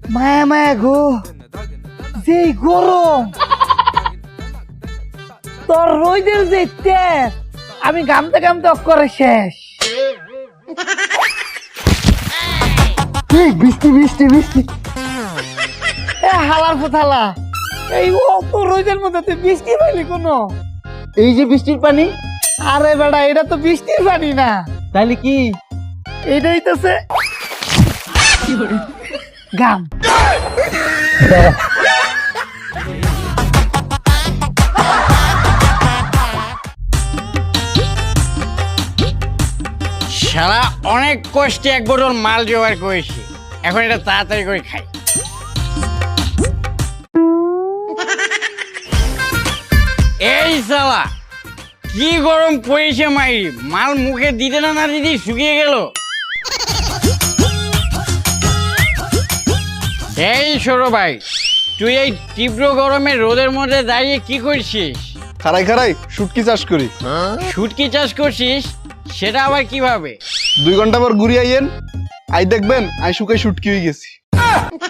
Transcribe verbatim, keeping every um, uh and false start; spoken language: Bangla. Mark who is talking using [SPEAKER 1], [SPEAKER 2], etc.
[SPEAKER 1] মায়া মায়া গো, যে গরম, তোর রোদের যে তেজ, আমি গামতে গামতে অক্ষরে শেষ। এই বৃষ্টি বৃষ্টি বৃষ্টি, এ হালার ফোথালা, এই অত রোদের মধ্যে তুই বৃষ্টি পাইলি কোনো?
[SPEAKER 2] এই যে বৃষ্টির পানি।
[SPEAKER 1] আরে বেটা, এটা তো বৃষ্টির পানি না,
[SPEAKER 2] তাহলে কি?
[SPEAKER 1] এটা হইতেছে গাম।
[SPEAKER 3] শালা অনেক কষ্টে এক বোতল মাল জোগাড় করেছি, এখন এটা তাড়াতাড়ি করে খাই। এই শালা কি গরম পড়েছে মাইরি, মাল মুখে দিতে না না দিদি শুকিয়ে গেল। এই ছোট ভাই, তুই এই তীব্র গরমে রোদের মধ্যে দাঁড়িয়ে কি করছিস?
[SPEAKER 4] খারাই খারাই শুটকি চাষ করি।
[SPEAKER 3] শুটকি চাষ করছিস, সেটা আবার কিভাবে?
[SPEAKER 4] দুই ঘন্টা পর ঘুরে আইয়েন, আই দেখবেন আই শুকাই শুটকি হয়ে গেছি।